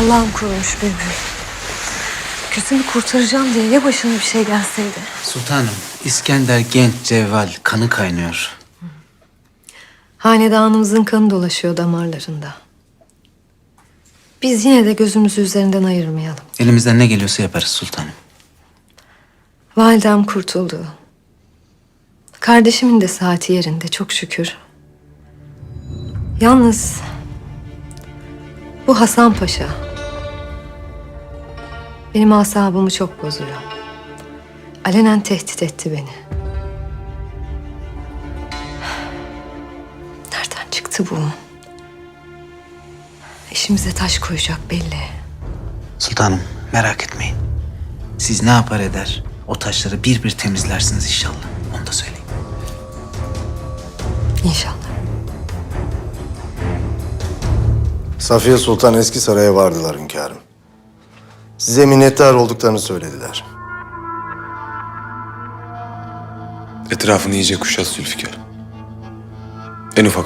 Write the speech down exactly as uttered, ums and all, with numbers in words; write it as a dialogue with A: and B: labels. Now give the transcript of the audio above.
A: Allah'ım korumuş beni. Kızımı kurtaracağım diye ya başına bir şey gelseydi.
B: Sultanım, İskender genç, cevval, kanı kaynıyor.
A: Hanedanımızın kanı dolaşıyor damarlarında. Biz yine de gözümüzü üzerinden ayırmayalım.
B: Elimizden ne geliyorsa yaparız sultanım.
A: Validem kurtuldu. Kardeşimin de saati yerinde çok şükür. Yalnız bu Hasan Paşa benim asabımı çok bozuyor. Alenen tehdit etti beni. Nereden çıktı bu? İşimize taş koyacak belli.
B: Sultanım, merak etmeyin. Siz ne yapar eder, o taşları bir bir temizlersiniz inşallah. Onu da söyleyeyim.
A: İnşallah.
C: Safiye Sultan eski saraya vardılar hünkârım. Size minnettar olduklarını söylediler.
D: Etrafını iyice kuşat Zülfikar. En ufak